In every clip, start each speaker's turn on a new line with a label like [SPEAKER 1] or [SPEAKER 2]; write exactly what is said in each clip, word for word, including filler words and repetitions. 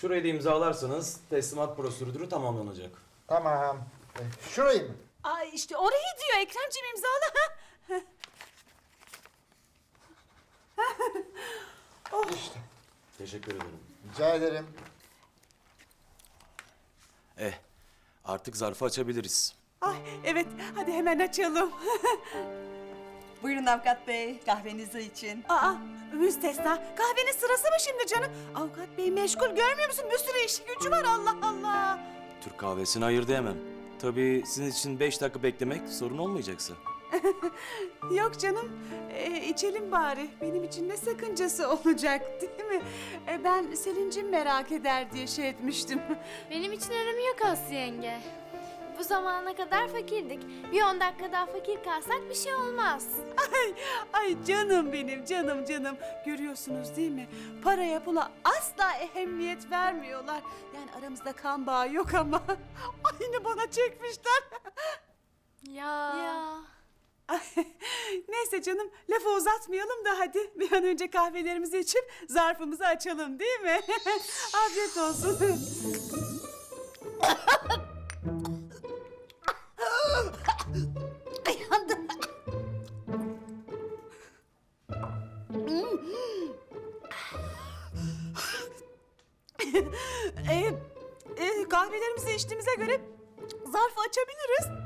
[SPEAKER 1] Şurayı da imzalarsanız teslimat prosedürü tamamlanacak.
[SPEAKER 2] Tamam. E, Şurayı mı?
[SPEAKER 3] Ay işte orayı diyor Ekremciğim, imzala.
[SPEAKER 2] İşte.
[SPEAKER 1] Teşekkür ederim.
[SPEAKER 2] Rica ederim.
[SPEAKER 1] Eh, artık zarfı açabiliriz.
[SPEAKER 3] Ay evet, hadi hemen açalım.
[SPEAKER 4] Buyurun avukat bey, kahvenizi için.
[SPEAKER 3] Aa, müstesna. Kahvenin sırası mı şimdi canım? Avukat bey meşgul, görmüyor musun? Bir sürü işi gücü var, Allah Allah.
[SPEAKER 1] Türk kahvesini hayır diyemem. Tabii sizin için beş dakika beklemek sorun olmayacaksa.
[SPEAKER 3] Yok canım, ee, içelim bari. Benim için ne sakıncası olacak değil mi? E, ben Selin'cim merak eder diye şey etmiştim.
[SPEAKER 5] Benim için önemi yok Aslı yenge. Bu zamana kadar fakirdik. Bir on dakika daha fakir kalsak bir şey olmaz.
[SPEAKER 3] Ay, ay canım benim, canım canım. Görüyorsunuz değil mi? Paraya pula asla ehemmiyet vermiyorlar. Yani aramızda kan bağı yok ama aynı bana çekmişler.
[SPEAKER 5] Ya. Ya.
[SPEAKER 3] Ay, neyse canım, lafı uzatmayalım da hadi bir an önce kahvelerimizi içip zarfımızı açalım değil mi? Afiyet olsun. e, e, kahvelerimizi içtiğimize göre zarfı açabiliriz.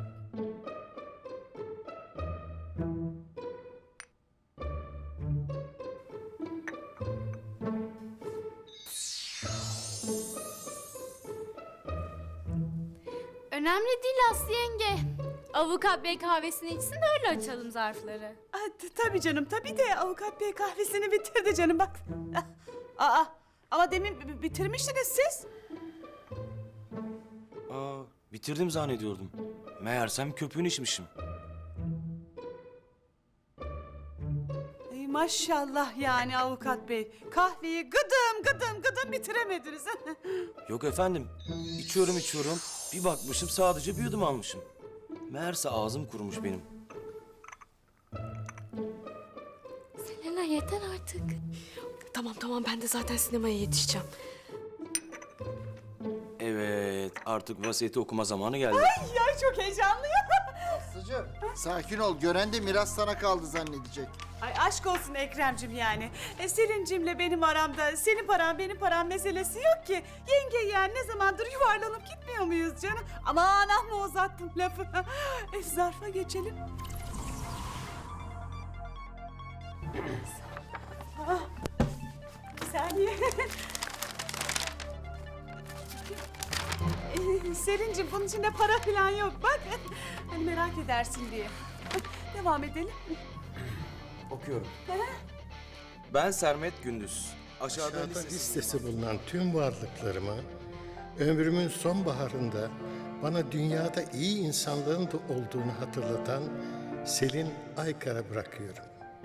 [SPEAKER 5] Önemli değil Aslı yenge. Avukat bey kahvesini içsin de öyle açalım zarfları.
[SPEAKER 3] Aa, t- tabii canım, tabii de avukat bey kahvesini bitirdi canım bak. Aa, ama demin b- bitirmiştiniz siz.
[SPEAKER 1] Aa, bitirdim zannediyordum. Meğersem köpüğünü içmişim.
[SPEAKER 3] Ey maşallah yani avukat bey. Kahveyi gıdım gıdım gıdım bitiremediniz.
[SPEAKER 1] Yok efendim, içiyorum içiyorum. Bir bakmışım sadece bir yudum almışım. Meğerse ağzım kurumuş benim.
[SPEAKER 5] Selena yeter artık.
[SPEAKER 6] Tamam tamam ben de zaten sinemaya yetişeceğim.
[SPEAKER 1] Evet, artık vasiyeti okuma zamanı geldi.
[SPEAKER 3] Ya çok heyecanlıyım.
[SPEAKER 2] Aslıcığım sakin ol. Gören de miras sana kaldı zannedecek.
[SPEAKER 3] Ay aşk olsun Ekrem'cim yani. E, Selin'cimle benim aramda senin paran benim param meselesi yok ki. Yenge yani ne zamandır yuvarlanıp gitmiyor muyuz canım? Aman amma uzattım lafı. E, zarfa geçelim. Ah, bir saniye. E, Selin'cim bunun içinde para falan yok bak. Hani merak edersin diye. Devam edelim.
[SPEAKER 1] Okuyorum. Ben Sermet Gündüz. Aşağıda,
[SPEAKER 7] Aşağıda
[SPEAKER 1] listesi...
[SPEAKER 7] listesi bulunan tüm varlıklarımı ömrümün sonbaharında bana dünyada iyi insanlığın da olduğunu hatırlatan Selin Aykar'a bırakıyorum.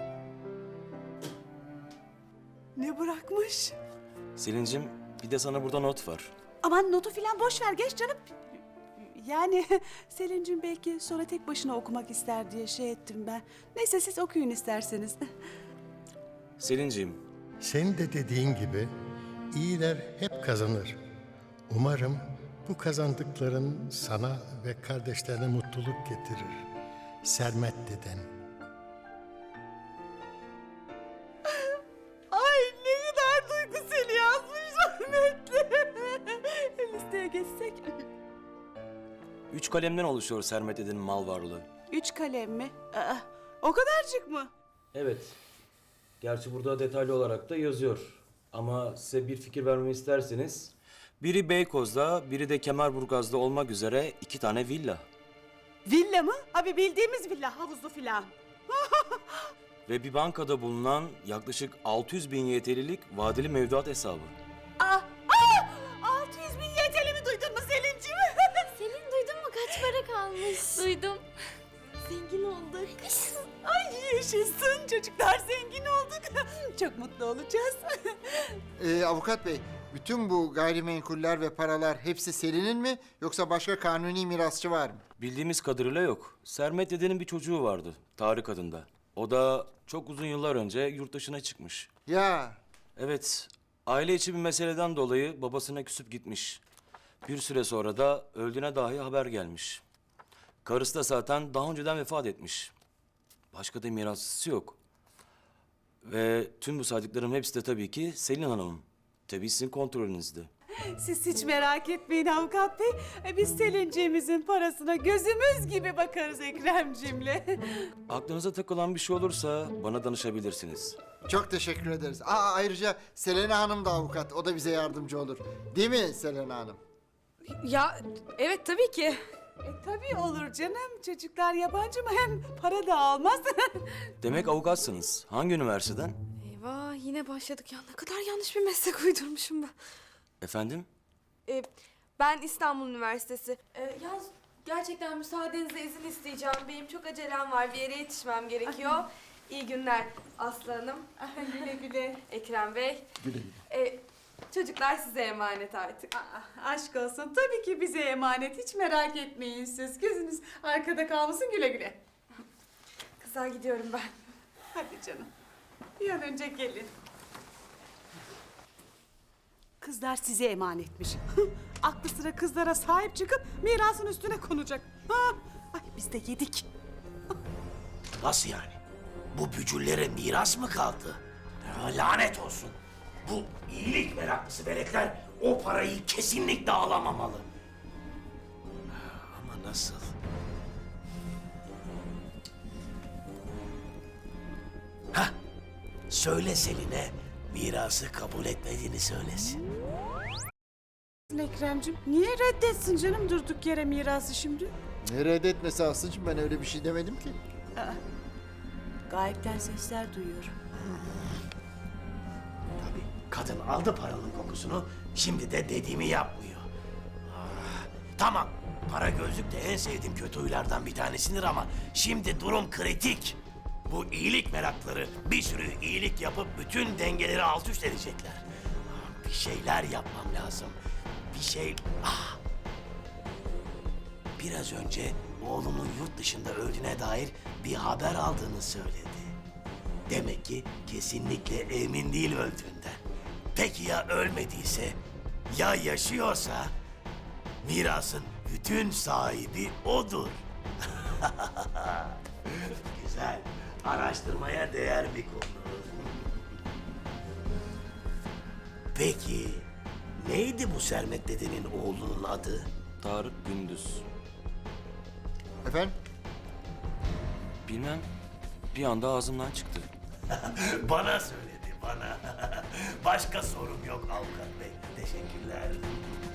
[SPEAKER 3] Ne bırakmış?
[SPEAKER 1] Selin'cim, bir de sana burada not var.
[SPEAKER 3] Aman notu filan boş ver geç canım. Yani Selin'cim belki sonra tek başına okumak ister diye şey ettim ben. Neyse siz okuyun isterseniz.
[SPEAKER 1] Selinciğim,
[SPEAKER 7] Senin de dediğin gibi iyiler hep kazanır. Umarım bu kazandıkların sana ve kardeşlerine mutluluk getirir. Sermet deden.
[SPEAKER 3] Ay ne kadar duygusal yazmış rahmetli. Listeye geçsek.
[SPEAKER 1] üç kalemden oluşuyor Sermet Eden'in mal varlığı.
[SPEAKER 3] Üç kalem mi? Aa, o kadarcık mı?
[SPEAKER 1] Evet. Gerçi burada detaylı olarak da yazıyor. Ama size bir fikir vermemi isterseniz... Biri Beykoz'da, biri de Kemerburgaz'da olmak üzere iki tane villa.
[SPEAKER 3] Villa mı? Abi bildiğimiz villa, havuzlu filan.
[SPEAKER 1] Ve bir bankada bulunan yaklaşık altı yüz bin Y T L'lik vadeli mevduat hesabı.
[SPEAKER 3] Aa, aa, altı yüz bin Y T L mi duydun mu Selin'cim?
[SPEAKER 5] Selin duydun mu kaç para kalmış? Duydum. Zengin olduk.
[SPEAKER 3] Ay yaşasın çocuklar, zengin olduk. Çok mutlu olacağız.
[SPEAKER 2] Ee, avukat bey, bütün bu gayrimenkuller ve paralar hepsi Selin'in mi yoksa başka kanuni mirasçı var mı?
[SPEAKER 1] Bildiğimiz kadarıyla yok. Sermet Eden'in bir çocuğu vardı, Tarık adında. O da çok uzun yıllar önce yurt dışına çıkmış.
[SPEAKER 2] Ya
[SPEAKER 1] Evet, Aile içi bir meseleden dolayı babasına küsüp gitmiş. Bir süre sonra da öldüğüne dahi haber gelmiş. Karısı da zaten daha önceden vefat etmiş. Başka da mirasçısı yok. Ve tüm bu saydıklarım hepsi de tabii ki Selin Hanım'ın. Tabii sizin kontrolünüzde.
[SPEAKER 3] Siz hiç merak etmeyin avukat bey. E, Biz Selinciğimizin parasına gözümüz gibi bakarız Ekremcimle.
[SPEAKER 1] Aklınıza takılan bir şey olursa bana danışabilirsiniz.
[SPEAKER 2] Çok teşekkür ederiz. Aa, ayrıca Selena Hanım da avukat. O da bize yardımcı olur. Değil mi Selena Hanım?
[SPEAKER 6] Ya evet tabii ki.
[SPEAKER 3] E, tabii olur canım. Çocuklar yabancı mı? Hem para da almaz.
[SPEAKER 1] Demek avukatsınız. Hangi üniversiteden?
[SPEAKER 6] Eyvah yine başladık ya. Ne kadar yanlış bir meslek uydurmuşum ben.
[SPEAKER 1] Efendim?
[SPEAKER 6] Ee, ben İstanbul Üniversitesi. Ee, yalnız gerçekten müsaadenizle izin isteyeceğim. Benim çok acelem var. Bir yere yetişmem gerekiyor. İyi günler Aslı Hanım,
[SPEAKER 3] güle güle.
[SPEAKER 6] Ekrem Bey. Güle güle. Ee, çocuklar size emanet artık.
[SPEAKER 3] Aa, aşk olsun. Tabii ki bize emanet. Hiç merak etmeyin siz. Gözünüz arkada kalmasın, güle güle.
[SPEAKER 6] Kızlar gidiyorum ben.
[SPEAKER 3] Hadi canım. Bir an önce gelin. Kızlar size emanetmiş. Aklı sıra kızlara sahip çıkıp mirasın üstüne konacak. Ha? Ay biz de yedik.
[SPEAKER 8] Nasıl yani? Bu bücüllere miras mı kaldı? Ya, lanet olsun. Bu iyilik meraklısı veletler o parayı kesinlikle alamamalı. Ama nasıl? Hah, söyle Selin'e mirası kabul etmediğini söylesin.
[SPEAKER 3] Ekrem'cim niye reddetsin canım durduk yere mirası şimdi?
[SPEAKER 2] Ne reddetmesi Aslı'cığım, ben öyle bir şey demedim ki.
[SPEAKER 3] Gayipten sesler duyuyorum.
[SPEAKER 8] Tabii kadın aldı paranın kokusunu, şimdi de dediğimi yapmıyor. Ah, tamam, para gözlük de en sevdiğim kötü huylardan bir tanesidir ama şimdi durum kritik. Bu iyilik merakları bir sürü iyilik yapıp bütün dengeleri alt üst edecekler. Ah, bir şeyler yapmam lazım. Bir şey... Ah! Biraz önce oğlumun yurt dışında öldüğüne dair bir haber aldığını söyledi. Demek ki kesinlikle emin değil öldüğünden. Peki ya ölmediyse, ya yaşıyorsa mirasın bütün sahibi odur. Güzel, araştırmaya değer bir konu. Peki neydi bu Sermet dedenin oğlunun adı?
[SPEAKER 1] Tarık Gündüz.
[SPEAKER 2] Efendim?
[SPEAKER 1] Bilmem. Bir anda ağzımdan çıktı.
[SPEAKER 8] Bana söyledi, bana. Başka sorum yok avukat bey. Teşekkürler.